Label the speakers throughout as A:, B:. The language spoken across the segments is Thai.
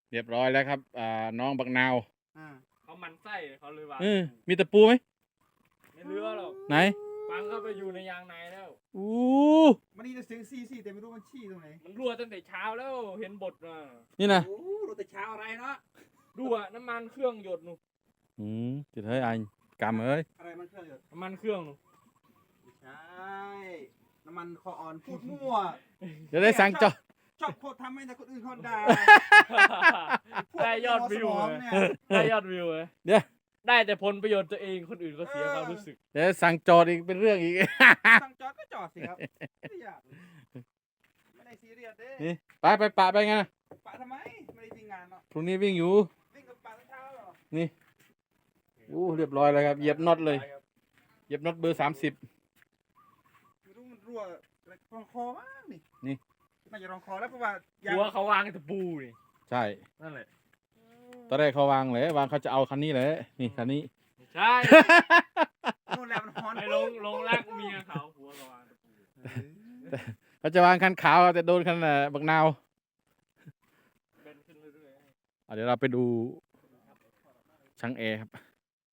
A: เรียบร้อยแล้วครับน้องบักนาว
B: เขามันไส้เขาเลยวาง
A: มีตะปูไหม
B: ไม่เลือหรอก
A: ไหน
B: ฟังเข้าไปอยู่ในยางในแล้ว
A: อู้
C: มันนี่จะเสียงซี่แต่ไม่รู้มันชี้ตรงไหน
B: มันรั่วตั้งแต่เช้าแล้วเห็นบทมา
A: นี่นะ
C: โอ้รู้แต่เช้าอะไรเนาะ
B: รั่วน้ำมันเครื่องหยดหนู
A: จุดเฮ้ยอันกำเอ้ย
C: อะไรมันเครื่องอยู่
B: น้ำมันเครื่องหนู
C: ไม่ใช่น้ำมันคออ่อนพูดมั่ว
A: จะได้สั่งจอ
C: ชอบโคตรทำให้แต่คนอื่นเขาด่า
B: ได้ยอดวิว
C: พก
B: เลย
C: เนี่ย
B: ได้ยอดวิวเลย
A: เดี๋ยว
B: ได้แต่ผลประโยชน์ตัวเองคนอื่นก็เสียความรู้สึก
A: เดี๋ยวสั่งจอดอีกเป็นเรื่องอีก
C: สั่งจอดก็จอดสิครับไม่อยากไม่ได้ซีเรียสเด้
A: นี่ไปปะไปไง
C: ปะทำไมไม่ได้วิ่งงานเนาะ
A: พรุ่งนี้วิ่งอยู่
C: วิ่งกับปะตั้งเช้าเหรอ
A: นี่เรียบร้อยแล้วครับเหยียบน็อตเลยเหยียบน็อตเบอร์ 30
C: ไม่รู้มันรั่วอะไรรองคอมากนี่
A: นี่
C: น่าจะรองคอแล้วเพราะว่า
B: หัวเขาวางตะปูนี่
A: ใช่
B: นั่นแหละ
A: ตอนแรกเขาวางเลยวางเขาจะเอาคันนี้เลยนี่คันนี้
B: ใช่
C: นู่นแหละมันฮอน
B: ไอ้ลงรักเมียเขาหัวเขาวางตะปู
A: เขาจะวางคันขาวแต่โดนคันบักนาว
B: เป็นขึ้นเรื่อย
A: เดี๋ยวเราไปดูช่างแอร์ครับ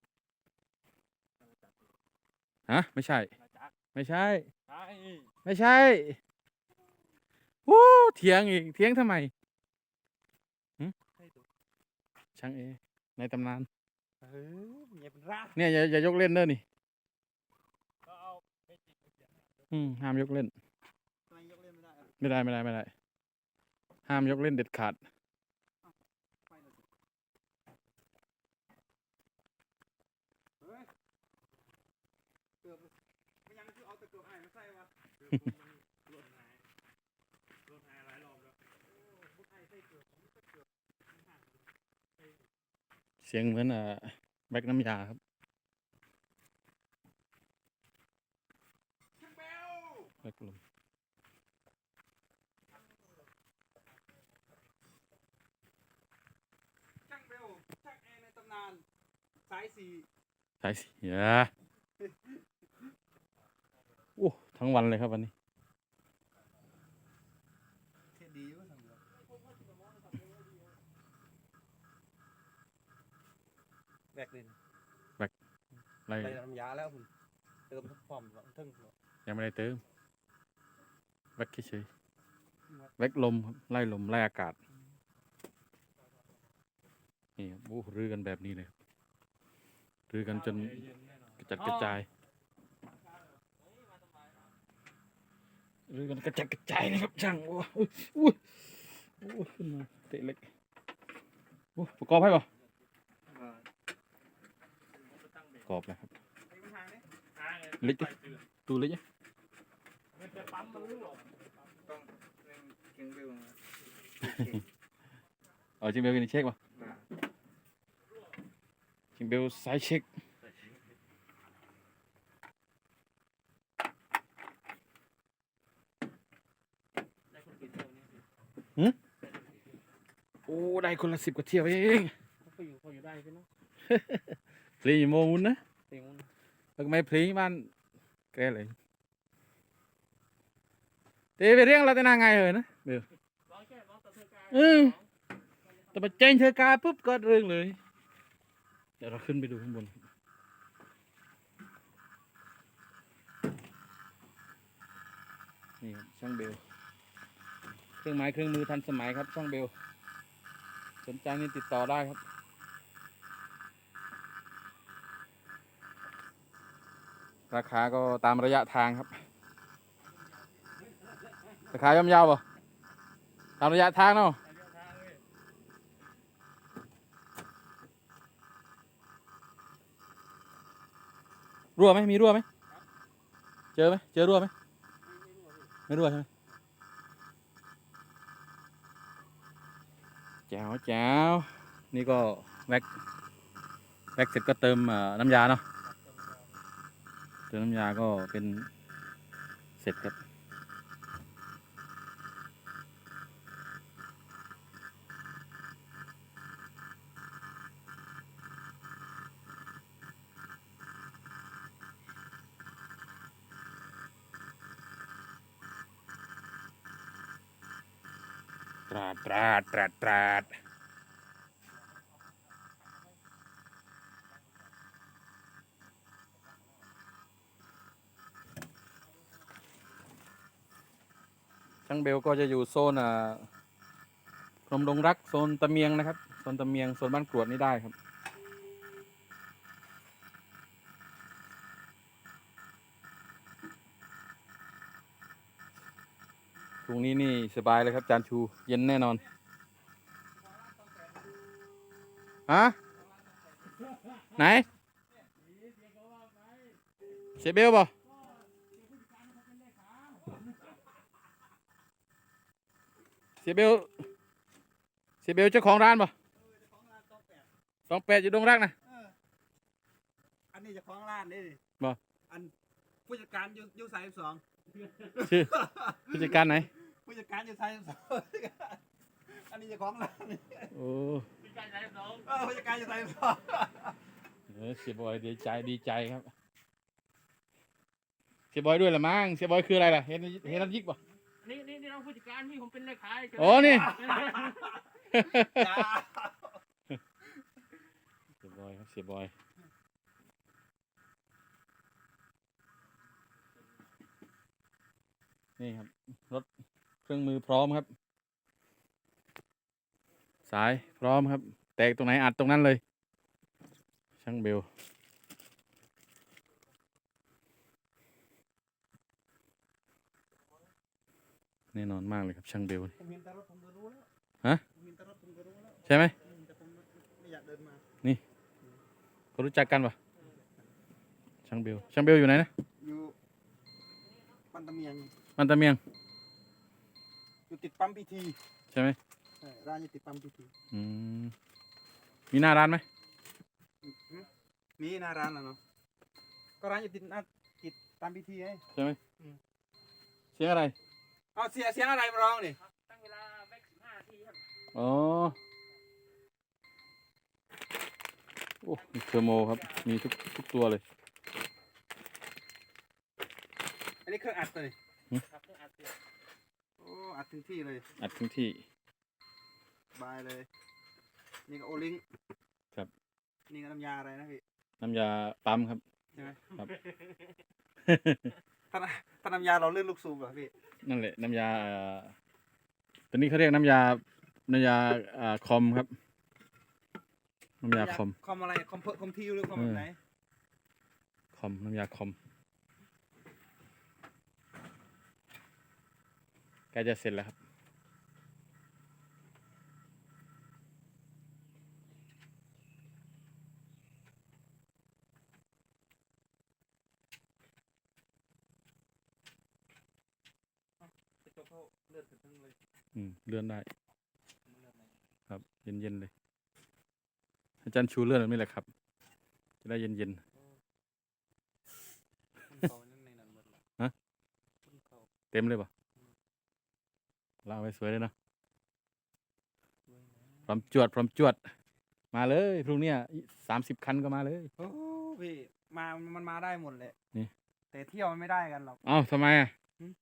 A: ฮะไม่ใช่
B: ๆมาจัก
A: ไม่ใช่
B: ใช่
A: ไม่ใช่วู้เถียงอีกเถียงทำไมหึช่างเอในตำนาน
C: อย่าเป็นร่า
A: เนี่ยอย่ายกเล่นเด้อนี่
B: ก็เอาไม่จิกไม่เสียง
A: ห้ามยกเล่น
C: ทำไมยกเล่นไม่ได้อะ
A: ไม่ได้ห้ามยกเล่นเด็ดขาด
C: ไปเลยสิเฮ้ยเกือบไม่ยังคือเอาตะเกียบไอ้มาใส่วะ
B: รถหายหลายรอบแล้ว
C: พวกไอ้ใส่เกือบผมก็เกือบ
A: เสียงเหมือนแบกน้ำยาครับ
C: ช่างเบล
A: แบกลม
C: ช่างเบลช่างแอร์ในตำนานสายสี่
A: ใช่สิโอ้ทั้งวันเลยครับวันนี้
C: เท่ดีวะช่างเบลแบกเลยนะ
A: ไล่
C: ไปทำยาแล้วคุณเติมทุกความทึ่ง
A: ยังไม่ได้เติมแบกเฉยๆแบกลมครับไล่ลมไล่อากาศนี่ครับโอ้รื้อกันแบบนี้เลยครับรื้อกันจนกระจัดกระจายรื้อกันกระจัดกระจายนะครับช่างโอ้ขึ้นมาเตะเล็กประกอบให้ป่ะประกอบแล้วครับ
C: ไอ้ปัญหาเนี่ย
A: เล็กดิตูเล็กเนี่ย
B: มันจะปั๊มมันรั่ว
C: ต้องเร่งเก่งเบลนะ
A: จิงเบลกันเช็คป่ะจิงเบลสายเช็คโอ้ได้คนละ10 กว่าเที่ยวเอง
B: เขาอยู่ได้ใช่ไหม
A: พลีโมมุนนะ
B: เต็งมัน
A: แล้วก็ไม่พลีบ้านแกเลยเตะไปเรียงเราแต่นางไงเหรอนะเบล
B: ร้อยแค่ร้อยต่อเธอกาย
A: แต่มาเจนเธอกาปุ๊บก็เรื่องเลยเดี๋ยวเราขึ้นไปดูข้างบนนี่ครับช่างเบลเครื่องไม้เครื่องมือทันสมัยครับช่างเบลสนใจนี่ติดต่อได้ครับราคาก็ตามระยะทางครับราคาย่อมเยาวป่ะตามระยะทางเนาะรั่วไหมมีรั่วไหมเจอไหมเจอรั่วไหมไม่รั่วใช่ไหมแจ๋วแจ๋วนี่ก็แว็กเสร็จก็เติมน้ำยาเนาะเติมน้ำยาก็เป็นเสร็จครับตราดช่างเบลก็จะอยู่โซนพรหมดงรักโซนตะเมียงนะครับโซนตะเมียงโซนบ้านกรวดนี่ได้ครับตรงนี้นี่สบายเลยครับจานชูเย็นแน่นอนฮะไหนเสียเบลป่ะเสียเบลเจ้าของร้านป่ะ28อยู่ดงรักนะ
C: อันนี้จะคล้องร้านนี่
A: บ่
C: อันผู้จัดการอยู่สายสอง
A: ชื่อผู้จัดการไหน
C: ผู้จัดการอยู่สายสองอันนี้จะคล้องร้านนี่
A: โอ้
B: มีการใช้น้อง
C: ผู้จัดการอยู่สายสอง
A: เสียบอยดีใจครับเสียบอยด้วยละมั้งเสียบอยคืออะไรล่ะเห็นน้ำยิกป่ะ
B: นี่น้องผู้จัดการที่ผมเป็นเลขา
A: โอ้นี่
C: จ้า
A: เสียบอยครับเสียบอยนี่ครับรถเครื่องมือพร้อมครับ สายพร้อมครับแตกตรงไหนอัดตรงนั้นเลยช่างเบลแน่นอนมากเลยครับช่างเบล
C: ผมเห็นแต่รถผมก็รู้แล้ว
A: ฮะ
C: ผมเห็นแต่รถผมก็รู้แล้ว
A: ใช่ไหม
C: แต่ผมไม่อยากเดินมา
A: เขารู้จักกันปะช่างเบลอยู่ไหนนะ
C: อยู่ปันตะเมียง
A: มันตะเมียง
C: อยู่ติดปั๊มพีที
A: ใช่ไหม
C: ใช่ร้านอยู่ติดปั๊มพีที
A: อืมมีหน้าร้านไหม
C: มีหน้าร้านแล้วเนาะก็ร้านอยู่ติดปั๊มพีทีไง
A: ใช่ไหม
C: อืม
A: เสียงอะไร
C: เอาเสียงอะไรมาร้องนี่
B: ตั้งเวลาแบ็ก15 นาทีครับ
A: อ๋อโอ้มีเทอร์โมครับมีทุกตัวเลย
C: อันนี้เครื่องอัดเลย
B: ครับเครื่องอัดเสียง
C: โอ้อัดถึงที่เลย
A: อัดทั้งที่
C: บายเลย นี่ก็โอลิง
A: ครับ
C: นี่ก็น้ำยาอะไรนะพี่
A: น้ำยาปั๊มครับ
C: ใช่ไหม
A: ครับ
C: ถ้าน้ำยาเราเลื่อนลูกสูบเหรอพี่
A: นั่นแหละน้ำยาตัวนี้เขาเรียกน้ำยาคอมครับน้ำยาคอม
C: คอมอะไรคอมทิวหรือคอมแบบไหน
A: น้ำยาคอมใกล้จะเสร็จแล้วครับ
C: กระจกเขาเลื่อนขึ้นทั้งเลย
A: เลื่อนได้
C: มันเลื่อนไหน
A: ครับเย็นเลยอาจารย์ชูเลื่อนแบบนี้แหละครับ จะได้เย็น
C: มันเขานั่นในนั้นหมดเลย
A: ฮะ
C: มันเขา
A: เต็มเลยป่ะลากไว้สวยเลยเนาะ
C: ด้วยนะ
A: พร้อมจวดมาเลยพรุ่งนี้30 คันก็มาเลย
C: โอ้พี่มันมาได้หมดเลย
A: นี่
C: แต่เที่ยวมันไม่ได้กันหรอก
A: เอ้าทำไมอ่ะ
C: หืม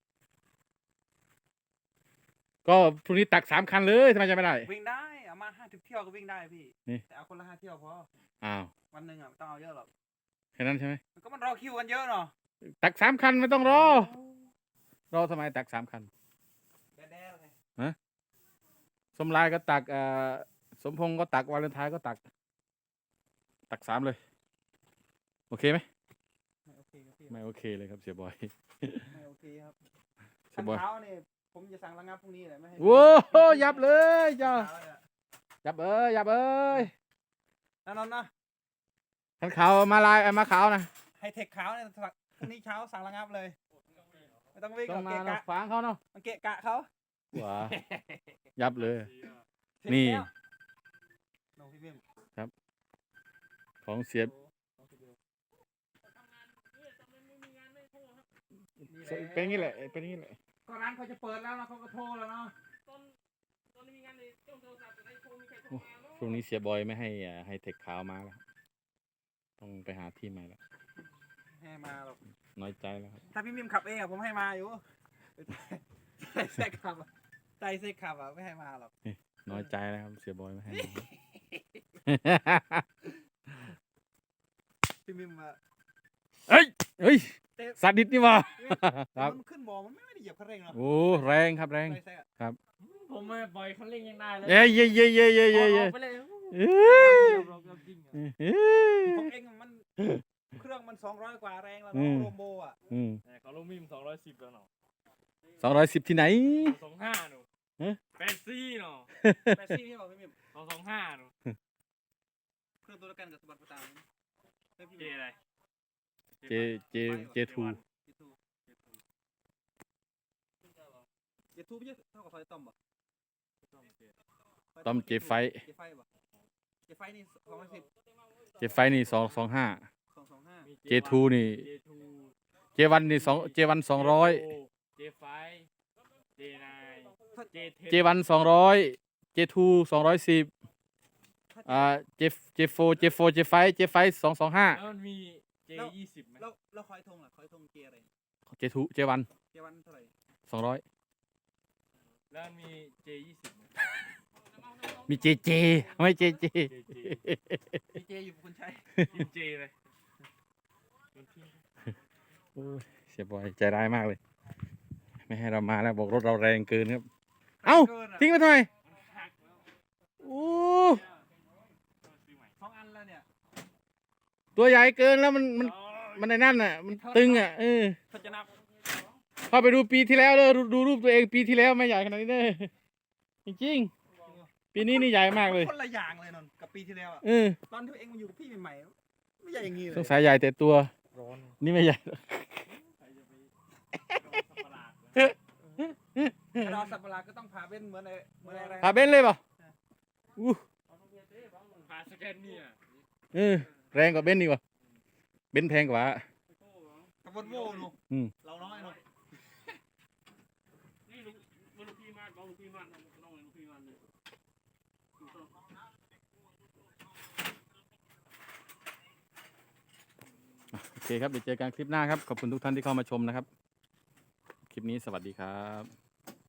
A: ก็พรุ่งนี้ตัก3 คันเลยทำไมจะไม่ได้
C: วิ่งได้เอามา50 เที่ยวก็วิ่งได้พี่
A: นี่
C: แต่เอาคนละ5 เที่ยวพอ
A: อ้าว
C: วันหนึ่งอ่ะไม่ต้องเอาเยอะหรอก
A: แค่นั้นใช่ไหม
C: มันรอคิวกันเยอะเนาะ
A: ตัก3 คันไม่ต้องรอทำไมตัก3 คัน
C: แด่ๆเลย
A: สมรายก็ตักสมพงษ์ก็ตักวาเลนไทน์ก็ตัก3 เลย โอเคไหม
C: ไม่โอเคครับพี่
A: ไม่โอเคเลยครับเสียบอย
C: ไม่โอเคครับ
A: เสี
C: ขั
A: ย
C: น
A: บอย
C: เท้าเนี่ยผมจะสั่งระงับพรุ่งนี้แหละไม่ให้
A: โว้โหยับเลยจ้า
C: เท้าเนี่ย
A: ยับเอ้ย
C: นั่นนะ
A: ขันขาวมาลายมาขาวนะ
C: ไฮเทคขาวเนี่ยพรุ่งนี้เช้าสั่งระงับเลยไม่ต้องวิ่งห
A: ต้
C: ร
A: อ
C: อง ก
A: มา
C: เกะ
A: เนาะ
C: กะ
A: ขวางเขาเนาะ
C: มันเกะกะเขา
A: ว้ายับเลย
C: เสร็จ
A: นี่
C: แล้วน้องพี่เบิ้ม
A: ของเสียบ
B: ทำงานเนี่ยทำไมไม่มีงานไม่โทรครับ
A: เป็นอย่างนี้แหละเป็นอย่างนี้แหละ
C: ก็ร้านเขาจะเปิดแล้วนะเขาก็โทรแล้วเนาะ
B: ตอนนี้มีงานในต้องโทรศัพท์แต่ไอ้โทรมีใครโทรมาเนาะ
A: ช่วงนี้เสียบอยไม่ให้ให้เทคขาวมาแล้วต้องไปหาที่ใหม่แล้ว
C: ให้มาหรอก
A: น้อยใจแล้วครับ
C: ถ้าพี่มิมขับเองอะผมให้มาอยู่ใจเซ็กขับอะใจเซ็กขับอะไม่ให้มาหรอก
A: น้อยใจแล้วครับเสียบอยไม่ให้มา
C: พี่มิมอะ
A: เฮ้ย
C: เตะ
A: สัตว์ดิดนี่หว่า
C: แต่
A: ครับ
C: มันขึ้นบ่อมันไม่ได้เหยียบคันเร่งเนาะ
A: โอ้แรงครับแรง
C: ไรแซ่
B: ผมไม่ปล่อยคันเร่งยังได้เลย
A: เย้เย้เย้เย้เย้เย้เย้
B: อาไปเลย
A: เอ้ย
B: เราจริง
A: เอ้ย
C: ของเองมันเครื่องมัน200กว่าแรงแล้ว
A: อื
C: เนาะ
A: ม
C: โรโบอ่ะ
B: เขาลงมิม210แล้วเนาะ
A: 210ที่ไหน
B: 225หนู
A: ฮะ
B: 84เนาะ
C: แปดซี่พี่บอกพี่มิม
B: 225หนู
C: เครื่องตัวเดียวกันกับสบัดประตามนี่เฮ้ยพี่
B: เจ
C: มิม
B: อะไร
A: เจทู
C: เจทูไม่ใช่เท่ากับไฟต้อมป่ะ
A: ต้อมเจไฟ
C: เจไฟป่ะเจไฟนี่210
A: เจไฟนี่225
C: 225
A: เจทูนี่
B: J2
A: เจวันนี่เจวัน200
B: J5 J9 J10
A: เจวัน200เจทู210เจโฟเจไฟ225
B: แล้วมันมี J20 ไหม
C: แล้วคอยทงล่ะคอยทงเจอะไร
A: เจทูเจวัน
C: เจวันเท่าไหร่
A: 200
B: แล้วมันมี J20 ไหม
A: มีเจเจไม่เจเจ
B: JJ
C: มีเจอยู่คุณชัย
B: กิน J เลยโดนทิ้ง
A: โอ้ยเสียบอยใจร้ายมากเลย ไม่ให้เรามาแล้วบอกรถเราแรงเกินครับ เอ้า
C: เกินอะ
A: ทิ้งไปทำไม
B: มันหักแล้ว
A: โอ้
B: ซื้อใหม่
C: 2 อันแล้วเนี่ย
A: ตัวใหญ่เกินแล้วมันในนั่นน่ะ มันตึงอ่ะ
C: เขาจะนับ
A: เข้าไปดูปีที่แล้วเลยดูรูปตัวเองปีที่แล้วไม่ใหญ่ขนาดนี้เลยจริงๆปีนี้นี่ใหญ่มากเลย
C: คนละอย่างเลยนนท์กับปีที่แล้วอะตอนที่เองมาอยู่กับพี่ใหม่ๆไม่ใหญ่อย่างนี้เล
A: ส
C: ย
A: งสัยใหญ่แต่ตัว
B: ร้อน
A: นี่ไม่ใหญ่
B: ใครจะไปรอสับประหลาดนะ
C: เราสับปะรดก็ต้องพาเป็นเหมือนอะไร
A: พาเบนซ์เลยเปล่าอู้
B: พาสแกนเนี่ย
A: แรงกว่าเบนซ์อีกว่ะเบนซ์แพงกว่า
C: กับวอลโว่หนู
A: อืม
C: เราน้อยหนู
B: นี่ลูกพี่มาดบอกลูกพี่มาดน้องลูกพี่มาดเลย
A: โอเคครับเดี๋ยวเจอกันคลิปหน้าครับขอบคุณทุกท่านที่เข้ามาชมนะครับ คลิปนี้สวัสดีครับ